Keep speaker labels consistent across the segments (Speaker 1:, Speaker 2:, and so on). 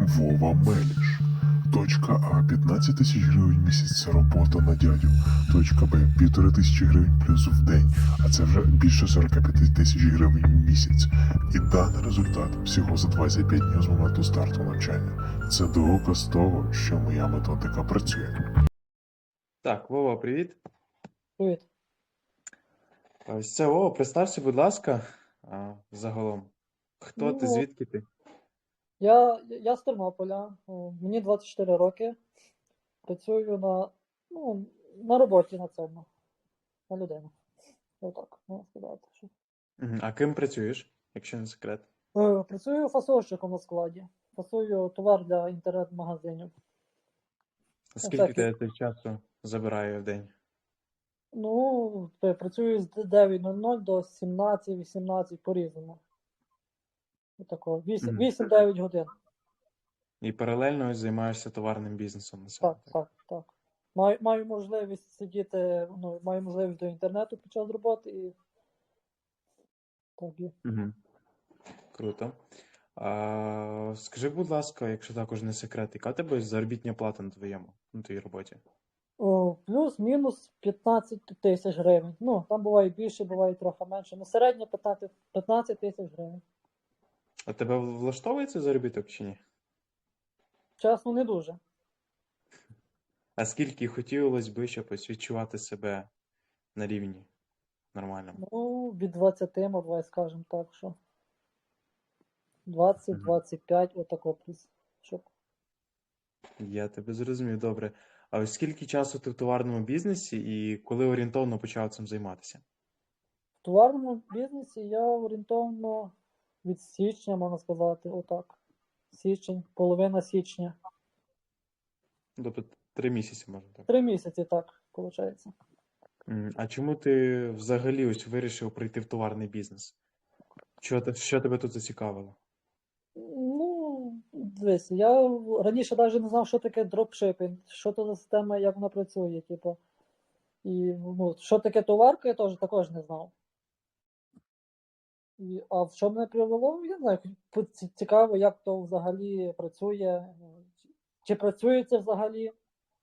Speaker 1: Вова Меліш. Точка А 15 тисяч гривень в місяць робота на дядю. Точка Б 1500 гривень плюс в день, а це вже більше 45 тисяч гривень в місяць. І даний результат всього за 25 днів з моменту старту навчання. Це доказ того, що моя методика працює.
Speaker 2: Так, Вова, привіт.
Speaker 3: Привіт.
Speaker 2: Ось це Вова, представся, будь ласка, загалом. Хто ти,
Speaker 3: Ну,
Speaker 2: звідки ти?
Speaker 3: я з Тернополя, мені 24 роки. Працюю на роботі на цьому, на людину. Отак, можна сказати.
Speaker 2: А ким працюєш, якщо не секрет?
Speaker 3: Працюю фасовщиком на складі. Фасую товар для інтернет-магазинів.
Speaker 2: Скільки тебе часу забирає в день?
Speaker 3: Працюю з 9:00 до 17-18 по-різному. Отако, 8-9 годин.
Speaker 2: І паралельно ось займаєшся товарним бізнесом на себе.
Speaker 3: Так. Маю можливість сидіти, маю можливість до інтернету під час роботи і так є.
Speaker 2: Угу. Круто. Скажи, будь ласка, якщо також не секрет, яка тебе заробітня плата на твоїй роботі?
Speaker 3: Плюс-мінус 15 тисяч гривень. Там буває більше, буває трохи менше. Середньо 15 тисяч гривень.
Speaker 2: А тебе влаштовує цей заробіток чи ні?
Speaker 3: Чесно, не дуже.
Speaker 2: А скільки хотілося би, щоб ось відчувати себе на рівні нормальному?
Speaker 3: Від 20, давай скажемо так, що 20-25, отако плюс. Щоб.
Speaker 2: Я тебе зрозумів, добре. А ось скільки часу ти в товарному бізнесі і коли орієнтовно почав цим займатися?
Speaker 3: В товарному бізнесі я орієнтовно від січня, можна сказати, отак. Січень, половина січня.
Speaker 2: Тобто 3 місяці, можна так.
Speaker 3: 3 місяці, так, виходить.
Speaker 2: А чому ти взагалі ось вирішив прийти в товарний бізнес? Що тебе тут зацікавило?
Speaker 3: Дивись, я раніше навіть не знав, що таке дропшипінг, що то за система, як вона працює, типу. І що таке товарка, я також не знав. А в що мене привело, я не знаю, цікаво, як то взагалі працює, чи працює це взагалі.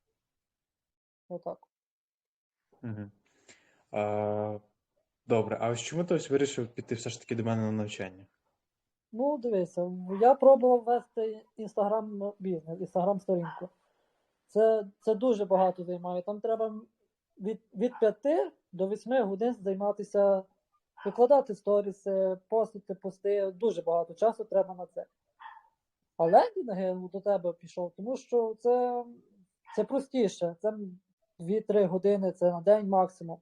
Speaker 3: Отак.
Speaker 2: Угу. Добре, а ось чому ти ось вирішив піти все ж таки до мене на навчання?
Speaker 3: Дивися, я пробував вести інстаграм-бізнес, інстаграм-сторінку. Це дуже багато займає. Там треба від 5 до 8 годин займатися, викладати сторіси, постити пости. Дуже багато часу треба на це. А лендінги до тебе пішов, тому що це простіше. Це 2-3 години, це на день максимум.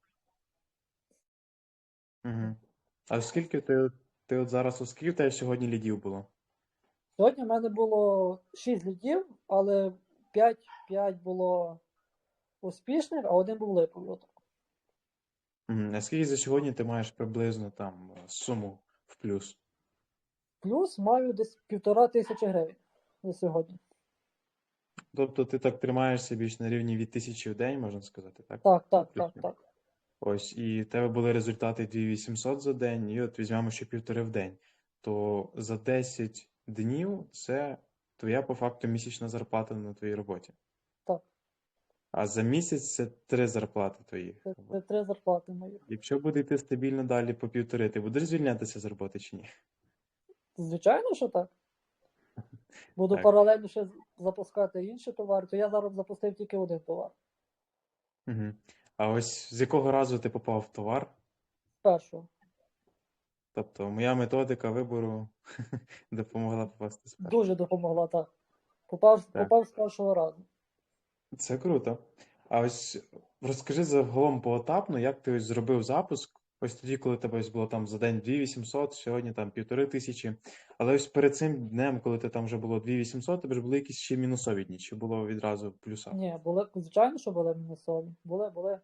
Speaker 2: Угу. А скільки ти от зараз, скільки в тебе сьогодні лідів було?
Speaker 3: Сьогодні в мене було 6 лідів, але 5 було успішних, а 1 був липовий.
Speaker 2: А скільки за сьогодні ти маєш приблизно там суму в плюс?
Speaker 3: Плюс маю десь 1500 гривень за сьогодні.
Speaker 2: Тобто ти так тримаєшся більш на рівні від 1000 в день, можна сказати, так?
Speaker 3: Так.
Speaker 2: Ось, і в тебе були результати 2800 за день, і от візьмемо ще 1,5 в день. То за 10 днів це твоя по факту місячна зарплата на твоїй роботі.
Speaker 3: Так.
Speaker 2: А за місяць це 3 зарплати твої.
Speaker 3: Це 3 зарплати мої.
Speaker 2: Якщо буде йти стабільно далі по 1,5, ти будеш звільнятися з роботи чи ні?
Speaker 3: Звичайно, що так. Буду
Speaker 2: Так.
Speaker 3: паралельно ще запускати інші товари, то я зараз запустив тільки 1 товар.
Speaker 2: Угу. А ось з якого разу ти попав в товар?
Speaker 3: Першого.
Speaker 2: Тобто моя методика вибору допомогла попасти з першого.
Speaker 3: Дуже допомогла, так. Попав з першого разу.
Speaker 2: Це круто. А ось розкажи загалом поетапно, як ти ось зробив запуск. Ось тоді, коли тебе ось було там за день 2800, сьогодні там 1500. Але ось перед цим днем, коли ти там вже було 2800, тебе ж були якісь ще мінусові дні, чи було відразу плюса?
Speaker 3: Ні, звичайно, що були мінусові. Були.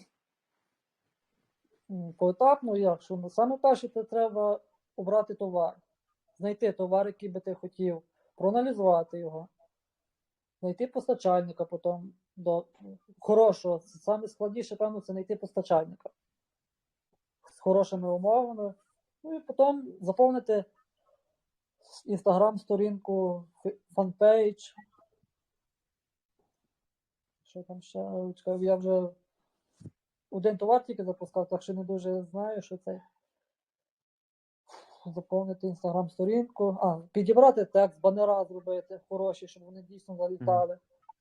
Speaker 3: Поетапно, як? Що саме перше, це треба обрати товар. Знайти товар, який би ти хотів, проаналізувати його. Знайти постачальника потім до хорошого. Саме складніше, певно, це знайти постачальника з хорошими умовами. І потім заповнити інстаграм-сторінку, фанпейдж. Що там ще? Чекай, я вже один товар тільки запускав, так що не дуже знаю, що це. Заповнити інстаграм-сторінку. Підібрати текст, банера зробити хороші, щоб вони дійсно залітали.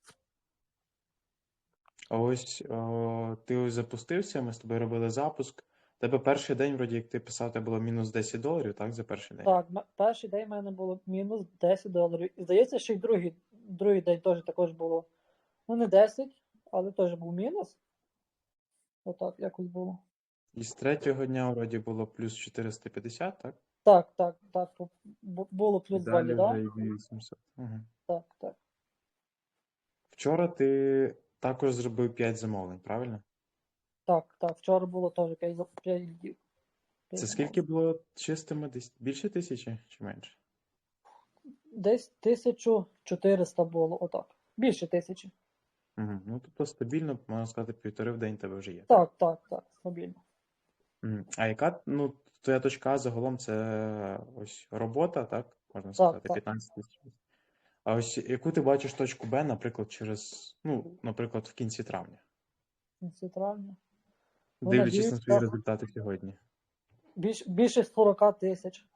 Speaker 2: А ось ти ось запустився, ми з тобою робили запуск. Тебе перший день, вроді, як ти писав, тебе було мінус $10, так, за перший день?
Speaker 3: Так, перший день в мене було мінус $10. І здається, що й другий день теж також було. Ну, не 10, але теж був мінус. Отак якось було.
Speaker 2: І з третього дня, вроді, було плюс 450, так?
Speaker 3: Так. Було плюс
Speaker 2: І
Speaker 3: 2
Speaker 2: далі
Speaker 3: ліда.
Speaker 2: вже і 2800. Угу.
Speaker 3: Так.
Speaker 2: Вчора ти також зробив 5 замовлень, правильно?
Speaker 3: Так. Вчора було теж 5 лідів.
Speaker 2: Це скільки було чистими? Десь більше 1000 чи менше?
Speaker 3: Десь 1400 було, отак. Більше 1000.
Speaker 2: Угу. Ну, тобто стабільно, можна сказати, 1,5 в день тебе вже є.
Speaker 3: Так, стабільно.
Speaker 2: Мгм. А яка, ну, твоя точка А загалом це ось робота, так? Можна сказати,
Speaker 3: Так.
Speaker 2: 15 тисяч. А ось яку ти бачиш точку Б, наприклад, наприклад, в кінці травня,
Speaker 3: В кінці травня. Ну,
Speaker 2: дивлячись на
Speaker 3: надіюсь,
Speaker 2: свої
Speaker 3: так.
Speaker 2: результати сьогодні.
Speaker 3: Більше 40 тисяч.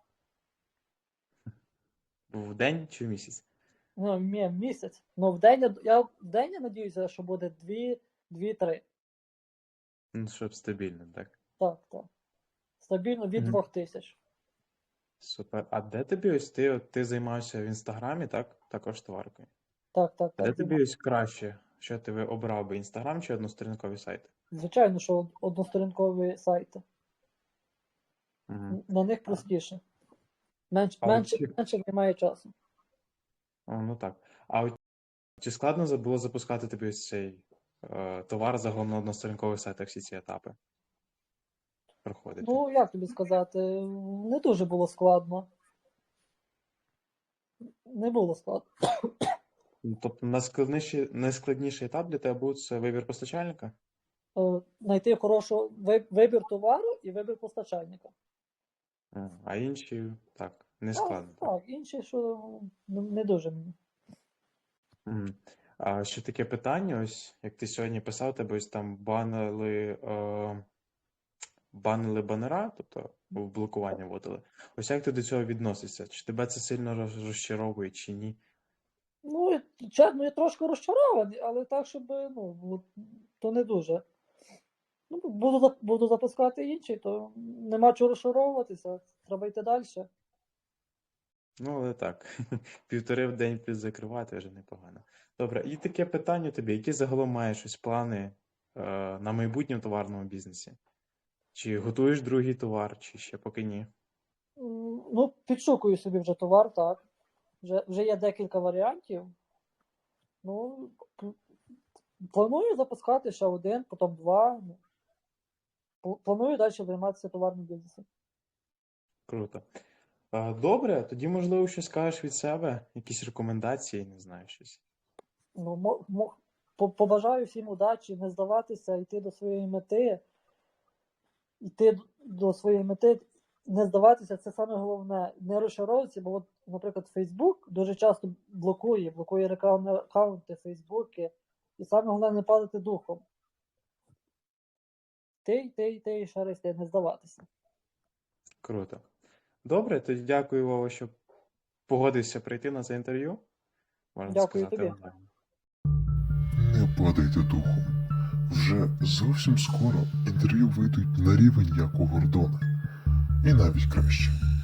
Speaker 2: В день чи в місяць?
Speaker 3: Ну, місяць. Ну, в день я надіюся, що буде 2-3.
Speaker 2: Ну, щоб стабільно, так.
Speaker 3: Так. Стабільно від
Speaker 2: Мгм.
Speaker 3: 2000.
Speaker 2: Супер. А де тобі ось ти займаєшся в інстаграмі, так? Також товаркою.
Speaker 3: Так.
Speaker 2: А де тобі ось краще, що ти обрав би інстаграм чи односторінкові сайти?
Speaker 3: Звичайно, що односторінкові сайти.
Speaker 2: Угу.
Speaker 3: На них простіше.
Speaker 2: А
Speaker 3: Менше немає часу.
Speaker 2: Ну так. А от чи складно було запускати тобі ось цей товар загалом на односторінкових сайтах всі ці етапи? Проходити?
Speaker 3: Ну, як тобі сказати, не дуже було складно. Не було складно.
Speaker 2: Ну, тобто найскладніший етап для тебе був це вибір постачальника?
Speaker 3: Знайти хороший вибір товару і вибір постачальника.
Speaker 2: А інші так, не складно.
Speaker 3: Так, інші, що не дуже мені.
Speaker 2: Мгм. А ще таке питання, ось як ти сьогодні писав, тебе ось там банили банера, тобто в блокування вводили. Ось як ти до цього відносишся? Чи тебе це сильно розчаровує, чи ні?
Speaker 3: Ну, чесно, я трошки розчарований, але так, щоб, то не дуже. Ну, буду запускати інші, то нема чого розчаровуватися, треба йти далі.
Speaker 2: Ну, але так, 1,5 в день плюс закривати вже непогано. Добре, і таке питання тобі, які загалом маєш ось плани на майбутнє в товарному бізнесі? Чи готуєш другий товар, чи ще поки ні?
Speaker 3: Ну, підшукую собі вже товар, так. Вже є декілька варіантів. Ну, планую запускати ще один, потім два. Планую далі займатися товарним бізнесом.
Speaker 2: Круто. Добре, тоді, можливо, щось скажеш від себе, якісь рекомендації, не знаю, щось.
Speaker 3: Ну, побажаю всім удачі, не здаватися, йти до своєї мети. Не здаватися, це саме головне. Не розчаровуватися, бо, наприклад, Facebook дуже часто блокує рекламні аккаунти, Фейсбуки. І саме головне не падати духом. І ще раз не здаватися.
Speaker 2: Круто. Добре, тоді дякую, Вова, що погодився прийти на це інтерв'ю. Можна
Speaker 3: Дякую
Speaker 2: сказати,
Speaker 3: тобі.
Speaker 2: онлайн.
Speaker 1: Не падайте духом. Вже зовсім скоро інтерв'ю вийдуть на рівень як у Гордона. І навіть краще.